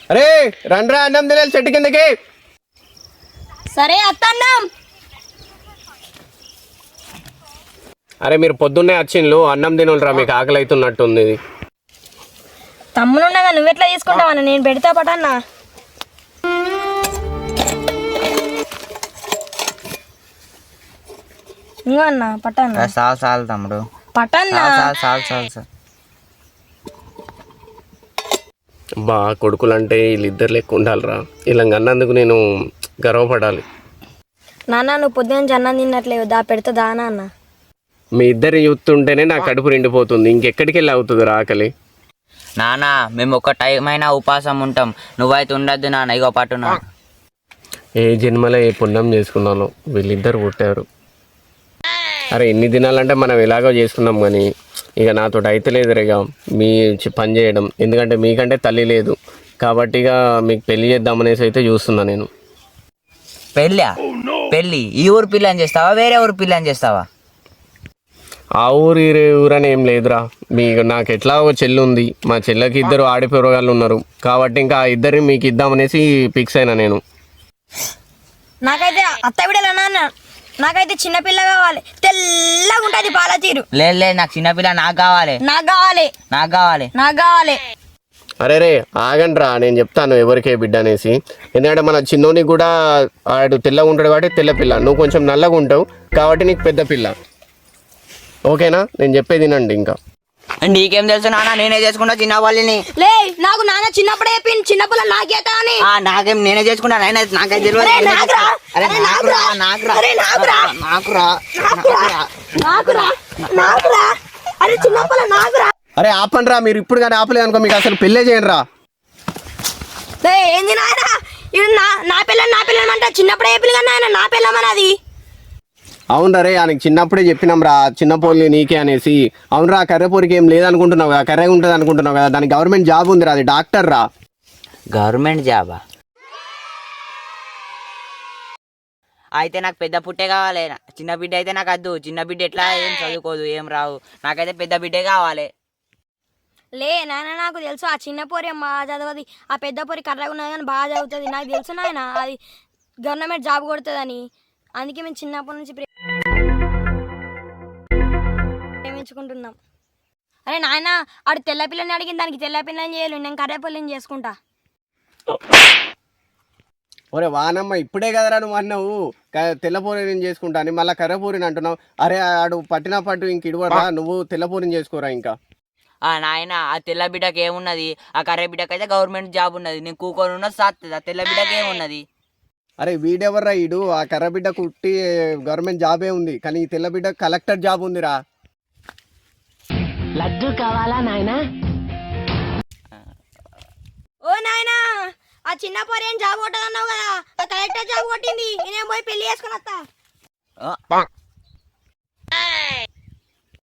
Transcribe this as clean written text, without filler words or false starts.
అరే రండ్రా అన్నం తినాలి చెట్టు కిందకి. సరే అత్తన్నం. అరే మీరు పొద్దున్నే వచ్చిండ్లు అన్నం తినులరా, మీకు ఆకలి అవుతున్నట్టుంది. తమ్ముడున్నాగా నువ్వెట్లా తీసుకుంటావన్నా, నేను పెడతా పటన్నా. ఇంకో అన్న పట్టన్నా. చాలు తమ్ముడు పటన్నా. చాలు. బా కొడుకులు అంటే వీళ్ళిద్దరు లెక్క ఉండాలిరా, ఇలా అన్నందుకు నేను గర్వపడాలి. నాన్న నువ్వు పొద్దున్న అన్నం తిన్నట్లేవు, దా పెడతా దానా అన్న. మీ ఇద్దరు చూస్తుంటేనే నా కడుపు నిండిపోతుంది, ఇంకెక్కడికి వెళ్ళి అవుతుంది ఆకలి. నానా మేము ఒక టైం అయినా ఉపాసం ఉంటాం, నువ్వైతే ఉండద్దు నాన్న. ఇగో పట్టునా. ఏ జన్మలో ఏ పుణ్యం చేసుకున్నాను వీళ్ళిద్దరు పుట్టారు. అరే ఎన్ని దినాలంటే మనం ఎలాగో చేసుకున్నాం కానీ ఇక నాతో అయితే లేదు ఇక మీ పని చేయడం, ఎందుకంటే మీకంటే తల్లి లేదు కాబట్టి ఇక మీకు పెళ్లి చేద్దామనేసి అయితే చూస్తున్నా నేను. పెళ్ళి ఈ ఊరు పిల్లని చేస్తావా వేరే ఊరు పిల్లని చేస్తావా? ఆ ఊరు ఈ ఊరని ఏం లేదురా, మీకు నాకు ఎట్లా ఒక చెల్లి ఉంది, మా చెల్లెకి ఇద్దరు ఆడిపోరగాళ్ళు ఉన్నారు కాబట్టి ఇంకా ఆ ఇద్దరిని మీకు ఇద్దామనేసి ఫిక్స్ అయినా నేను. నాకైతే అత్త బిడ్డలు నాన్న, నాకైతే చిన్నపిల్ల కావాలి, తెల్లగా ఉంటుంది పాల తీరు. లేదు నాకు చిన్నపిల్ల నాకు కావాలి. అరే రే ఆగండ్రా, నేను చెప్తాను ఎవరికే బిడ్డ అనేసి. ఎందుకంటే మన చిన్నోనికి కూడా ఆడు తెల్లగా ఉంటాడు కాబట్టి తెల్ల పిల్ల, నువ్వు కొంచెం నల్లగా ఉంటావు కాబట్టి నీకు పెద్ద పిల్ల. ఓకేనా? నేను చెప్పేది వినండి. ఇంకా నీకేం తెలుసు నాన్న, నేనే చేసుకుంటా చిన్న వాళ్ళని. లే నాకు నాన్న చిన్నప్పుడే చెప్పింది చిన్నపిల్ల నాకేత అని. నాకేం నేనే చేసుకుంటా, నాకే తెలియదు. అరే చిన్నపిల్ల నాకురా. అరే ఆపండ్రా, మీరు ఇప్పుడు కానీ ఆపలేదు అనుకో మీకు అసలు పెళ్ళే చేయండి రా. ఏంది నాయన ఇది నా పిల్లని అంటే చిన్నప్పుడే చెప్పింది కానీ నాయన నా పిల్లమన్నది. అవునరా రే, ఆయనకి చిన్నప్పుడే చెప్పినాం రా చిన్న పోలి నీకే అనేసి. అవునరా కర్రపూరికి ఏం లేదనుకుంటున్నావు కదా, కర్రే ఉంటుంది అనుకుంటున్నావు కదా, దానికి గవర్నమెంట్ జాబ్ ఉంది రా, అది డాక్టర్ రా. గవర్నమెంట్ జాబా? అయితే నాకు పెద్ద పుట్టే కావాలి, చిన్న బిడ్డ అయితే నాకు వద్దు. చిన్న బిడ్డ ఎట్లా ఏం చదువుకోదు ఏం రావు, నాకైతే పెద్ద బిడ్డే కావాలి. లే నాయన నాకు తెలుసు ఆ చిన్న పోరి బాగా చదవది, ఆ పెద్ద పోరి కర్రగా ఉన్నది కానీ బాగా చదువుతుంది. నాకు తెలుసు నాయన అది గవర్నమెంట్ జాబ్ కొడుతుందని, అందుకే మేము చిన్నప్పటి నుంచి ప్రేమించుకుంటున్నాం. అరే నాయన ఆడు తెల్ల పిల్లని అడిగిన దానికి తెల్ల పిల్లని చేయలేదు, నేను కర్ర పిల్లని చేసుకుంటా. ఒరే వానమ్మ ఇప్పుడే కదరా నువ్వు అన్నావు తెల్లపూరి నేను చేసుకుంటా అని, మళ్ళీ కర్రపూరిని అంటున్నావు. అరే ఆడు పట్టిన పట్టు ఇంక ఇడవరా, నువ్వు తెల్లపూరిని చేసుకోరా. ఇంకా నాయన ఆ తెల్ల బిడ్డకి ఏమున్నది, ఆ కర్ర బిడ్డకి అయితే గవర్నమెంట్ జాబ్ ఉన్నది. నేను కూకొని ఉన్నది సాత్తుంది, ఆ తెల్ల బిడ్డకి ఏమున్నది? అరే వీడెవర్రా ఈడు, ఆ కర్ర బిడ్డ కుట్టి గవర్నమెంట్ జాబే ఉంది కానీ ఈ తెల్ల బిడ్డ కలెక్టర్ జాబ్ ఉందిరా. లడ్డు కావాలా నాయనా? ఓ నాయనా ఆ చిన్న పోరి ఏం జాబ్ కొట్టదన్నావు కదా, ఆ కలెక్టర్ జాబ్ కొట్టింది, నేనేం పోయి పెళ్లి చేసుకుని వస్తా.